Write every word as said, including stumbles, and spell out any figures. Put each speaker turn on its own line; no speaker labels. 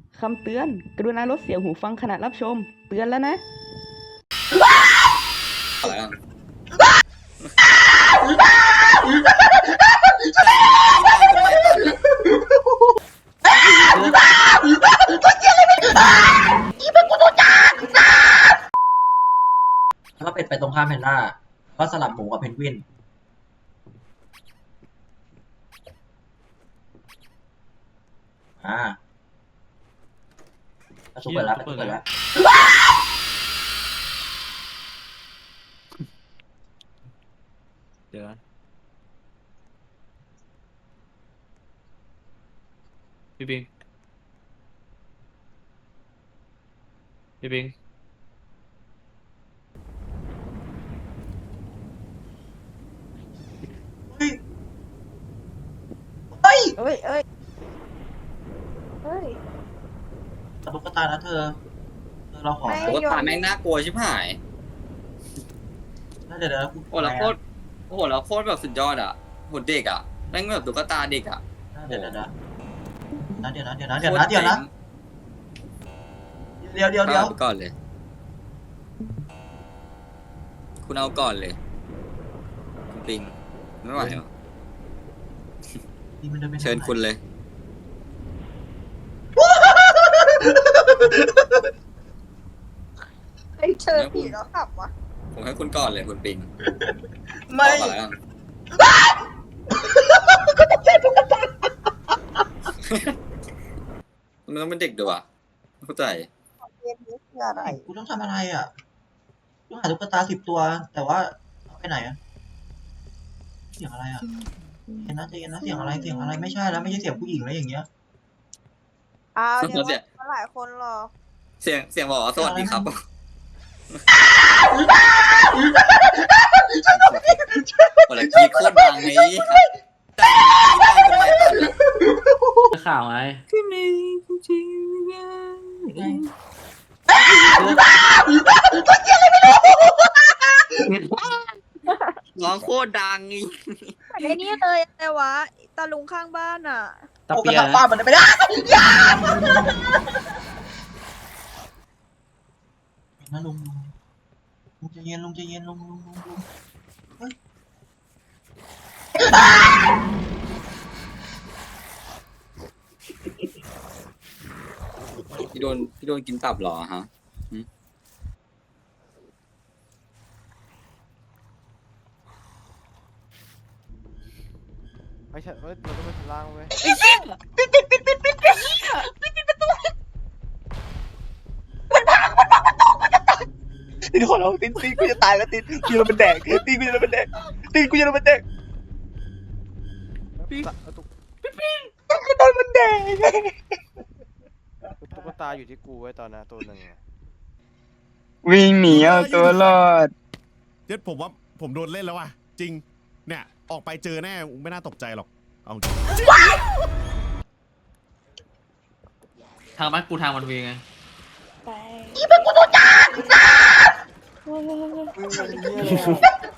คำเตือน กรุณาลดเสียงหูฟังขณะรับชม เตือนแล้วนะ
ถ้าเป็นไปตรงข้ามแพนด้าก็สลับหมูกับเพนกวินอ่าประตูเปิดแล้วประตูเปิดแล้ว
เดี๋ยวพี่ปิงพี่ปิง
เฮ้ย
เอ้ยเอ้ยเฮ้ย
ตุ๊กตานะเธอเธอเราขอ
ไม่
ตุ๊กตาแม่งน่ากลัวชิบหาย
น่าจะเดี๋ยว
โอ้แล้วโคตรโอ้โหแล้วโคตรแบบสุดยอดอ่ะโหเด็กอ่ะแม่งแบบตุ๊กตาเด็กอ่ะ
เดี๋ยวเดี๋ยวนะเดี๋ยวนะเดี๋ยวนะเดี๋ยวนะเดี๋ยวนะเดี๋ยวเดี๋ยวเดี๋ยว
เอาก่อนเลย คุณเอาก่อนเลยคุณปิงไม่ไหวเหรอเชิญคุณเลย
เฮ้ยเจอผีแล้วขับวะ
ผมให้คุณก่อนเลยคุณปิง
ไม่
เอาก่อนแล้วกันมันต้องเป็นเด็กด้วยอะเข้าใจ
เกมนี้คืออะไร
กูต้องทำอะไรอ่ะต้องหาตุ๊กตาสิบตัว แต่ว่าเอาไปไหนอ่ะเสียงอะไรอ่ะเห็นนะใจเย็นนะเสียงอะไรเสียงอะไรไม่ใช่แล้วไม่ใช่เสียงผู้หญิงแล้วอย่างเงี้ย
อ้าว
เดี๋
เดี๋
ย
ยว วหลายคนหรอ
เสียงเสียงบอกว่าสวัสดีครับโอ้แล้วคีโคตรดังนี้
ข่าวไง
ร้องโคตรดังอีก
ไอ้นี่เลยแต่วะตาลุงข้างบ้านอ่ะ
ตะ
โอ้ก
เปี
ระ
ย
ทับ
นะ
ป้ามันไม่ได้อย่านะลุงลุงลุงใจเย็นลุงใจเย็นลุงลุงลุงลุงเฮ้ย
พี่โดนพี่โดนกินตับเหรอฮะ
ไม่ใช่เว้ยเราต้องไปชั้นล่างเว้ย
ตินขอร้องตินตินกูจะตายแล้วตินกูจะเป็นแดกตินกูจะเป็นแดกตินกูจะเป็นแดก
ตุ๊กตาตุ๊ก
กูโดนมันแดก
ตุ๊กตาอยู่ที่กูไว้ตอนนั้นตัวหนึ่งอะ
วิ่งหนีเอาตัวรอด
เจ็ดผมว่าผมโดนเล่นแล้วว่ะจริงเนี่ยออกไปเจอแน่ไม่น่าตกใจหรอกเอาจริง
ทางบ้านกูทางมันเวงไง
ไปอีเป็นกูตัวจ้า